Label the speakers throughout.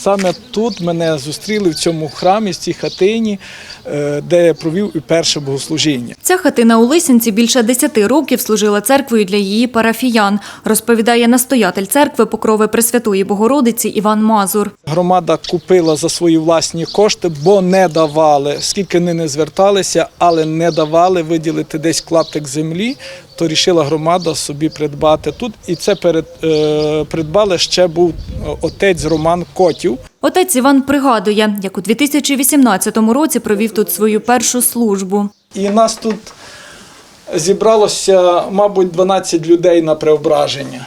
Speaker 1: Саме тут мене зустріли в цьому храмі, в цій хатині, де я провів і перше богослужіння.
Speaker 2: Ця хатина у Лисянці більше 10 років служила церквою для її парафіян, розповідає настоятель церкви Покрови Пресвятої Богородиці Іван Мазур.
Speaker 1: Громада купила за свої власні кошти, бо не давали, скільки вони не зверталися, але не давали виділити десь клаптик землі, то рішила громада собі придбати тут. І це придбали ще був отець Роман Котів.
Speaker 2: Отець Іван пригадує, як у 2018 році провів тут свою першу службу.
Speaker 1: І нас тут зібралося, мабуть, 12 людей на преображення.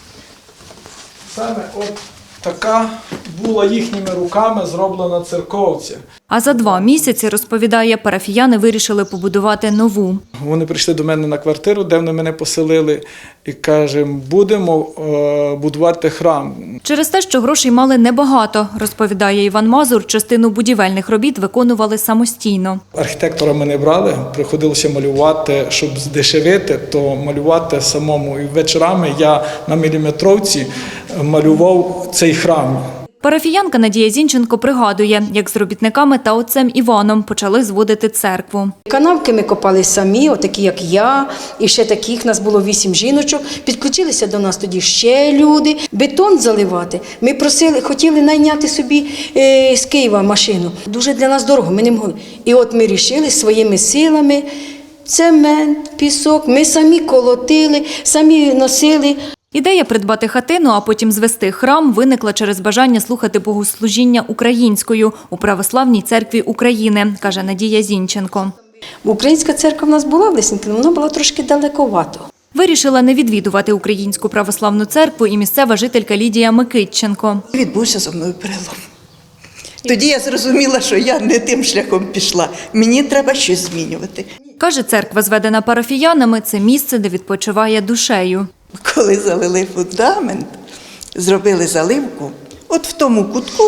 Speaker 1: Саме от така була їхніми руками зроблена церковця.
Speaker 2: А за 2 місяці, розповідає, парафіяни вирішили побудувати нову.
Speaker 1: Вони прийшли до мене на квартиру, де вони мене поселили, і кажемо, будемо будувати храм.
Speaker 2: Через те, що грошей мали небагато, розповідає Іван Мазур, частину будівельних робіт виконували самостійно.
Speaker 1: Архітектора ми не брали, приходилося малювати, щоб здешевити, то малювати самому. І вечорами я на міліметровці малював цей храм.
Speaker 2: Парафіянка Надія Зінченко пригадує, як з робітниками та отцем Іваном почали зводити церкву.
Speaker 3: Канавки ми копали самі, отакі як я, і ще таких, нас було 8 жіночок. Підключилися до нас тоді ще люди. Бетон заливати. Ми просили, хотіли найняти собі з Києва машину. Дуже для нас дорого, ми не могли. І от ми вирішили своїми силами, цемент, пісок, ми самі колотили, самі носили.
Speaker 2: Ідея придбати хатину, а потім звести храм, виникла через бажання слухати богослужіння українською у Православній церкві України, каже Надія Зінченко.
Speaker 3: Українська церква в нас була в Лисянці, але вона була трошки далековато.
Speaker 2: Вирішила не відвідувати Українську православну церкву і місцева жителька Лідія Микитченко.
Speaker 4: Відбувся зо мною перелом. Тоді я зрозуміла, що я не тим шляхом пішла. Мені треба щось змінювати.
Speaker 2: Каже, церква, зведена парафіянами, це місце, де відпочиває душею.
Speaker 4: Коли залили фундамент, зробили заливку, от в тому кутку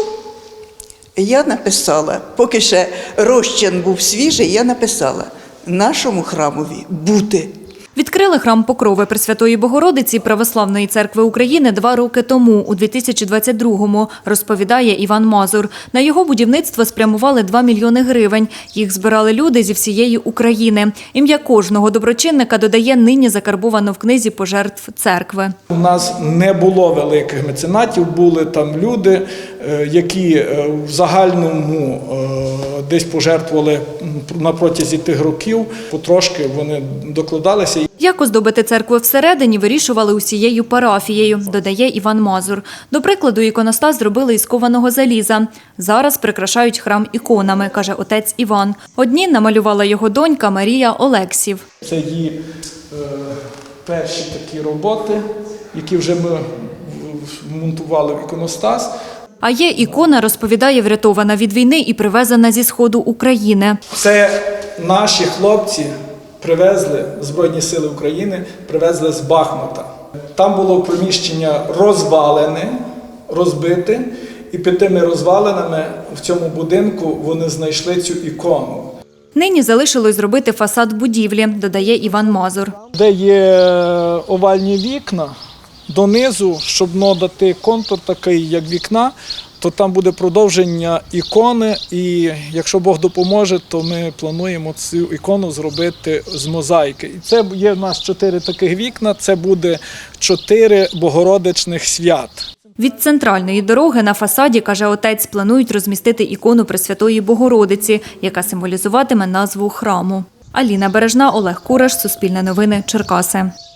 Speaker 4: я написала, поки ще розчин був свіжий, я написала нашому храмові бути.
Speaker 2: Відкрили храм Покрови Пресвятої Богородиці Православної церкви України 2 роки тому, у 2022-му, розповідає Іван Мазур. На його будівництво спрямували 2 мільйони гривень. Їх збирали люди зі всієї України. Ім'я кожного доброчинника, додає, нині закарбовано в книзі пожертв церкви.
Speaker 1: У нас не було великих меценатів, були там люди, які в загальному десь пожертвували на протязі тих років, потрошки вони докладалися.
Speaker 2: Як оздобити церкву всередині, вирішували усією парафією, додає Іван Мазур. До прикладу, іконостас зробили із кованого заліза. Зараз прикрашають храм іконами, каже отець Іван. Одні намалювала його донька Марія Олексів.
Speaker 1: Це її перші такі роботи, які вже ми монтували в іконостас.
Speaker 2: А є ікона, розповідає, врятована від війни і привезена зі Сходу України.
Speaker 1: Це наші хлопці привезли, Збройні сили України, привезли з Бахмута. Там було приміщення розвалене, розбите, і під тими розвалинами в цьому будинку вони знайшли цю ікону.
Speaker 2: Нині залишилось зробити фасад будівлі, додає Іван Мазур.
Speaker 1: Де є овальні вікна, донизу, щоб надати контур такий, як вікна, то там буде продовження ікони, і якщо Бог допоможе, то ми плануємо цю ікону зробити з мозаїки. І це є в нас 4 таких вікна, це буде 4 богородичних свят.
Speaker 2: Від центральної дороги на фасаді, каже отець, планують розмістити ікону Пресвятої Богородиці, яка символізуватиме назву храму. Аліна Бережна, Олег Кураш, Суспільне новини, Черкаси.